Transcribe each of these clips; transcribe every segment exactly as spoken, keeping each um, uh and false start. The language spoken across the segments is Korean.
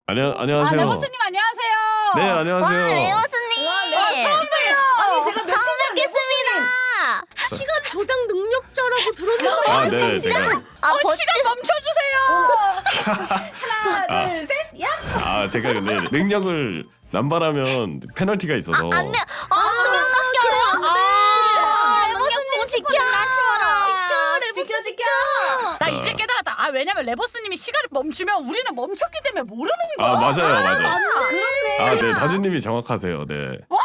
안녕 아, 안녕하세요. 레버스님 안녕하세요. 네 안녕하세요. 와 레오스님. 와, 처음 봬요. 아니 제가 며칠 처음 전에 뵙겠습니다. 시간 조작 능력자라고 들었는데 아 네 제가 아 어, 버... 시간 멈춰주세요. 하나 둘 셋 야! 아 제가 근데 능력을 남발하면 페널티가 있어서 안돼. 아 수면 깎여요. 아 레오스님 지켜라. 지켜 지켜 지켜 나 이제 깨달았다. 아 왜냐면 레버스님이 시간을 멈추면 우리는 멈췄기 때문에 모르는 거야. 아 맞아요 맞아요. 아 그렇네 아 네 다주님이 정확하세요. 네.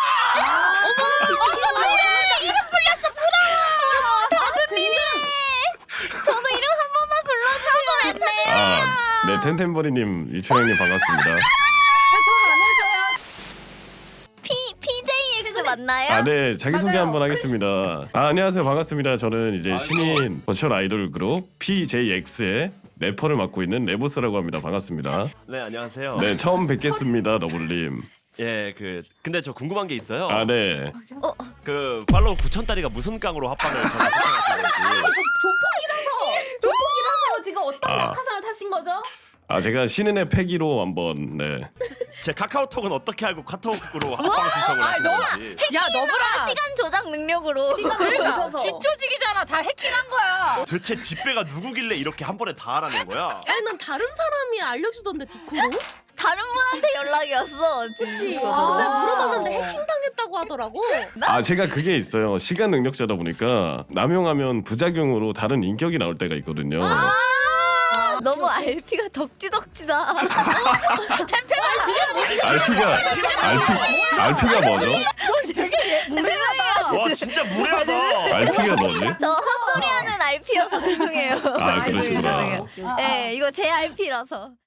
저도 이름 한 번만 불러주시면 안 돼요? 아네 텐텐버리님 이춘영님 반갑습니다. 저안 해줘요 P 피제이엑스 맞나요? 아 네 자기 소개 맞아요. 한번 하겠습니다. 아 안녕하세요 반갑습니다. 저는 이제 신인 버추얼 아이돌 그룹 피제이엑스의 래퍼를 맡고 있는 레보스라고 합니다. 반갑습니다. 네 안녕하세요. 네 처음 뵙겠습니다 너블님. 예 그 근데 저 궁금한 게 있어요. 아 네. 그 팔로우 구천 달이가 무슨 깡으로 합방을 저한테 신청하신 건지. 조폭이라서 조폭이라서 지금 어떤 아. 낙하산을 타신 거죠? 아 제가 신인의 패기로 한번 네. 제 카카오톡은 어떻게 알고 카톡으로 합방 신청을 아, 하신 너무- 건지. 야 너브라. 시간 조작 능력으로. 시간을 그러니까 멈춰서 뒷조직이잖아. 다 해킹한 거야. 도대체 뒷배가 누구길래 이렇게 한 번에 다 하라는 거야? 아니 난 다른 사람이 알려주던데 디코로? 다른 분한테 연락이 왔어. 그치 아. 그래서 물어봤는데 해킹당했다고 하더라고 아 제가 그게 있어요. 시간 능력자다 보니까 남용하면 부작용으로 다른 인격이 나올 때가 있거든요. 아, 너무 알피가 덕지덕지다. 알피가 알피 알피가 뭐죠? 되게 무례하다. 와 진짜 무례하다. 알피가 뭐지? 저 헛소리하는 알피여서 죄송해요. 아 그러시구나. 네, 이거 제 알피라서.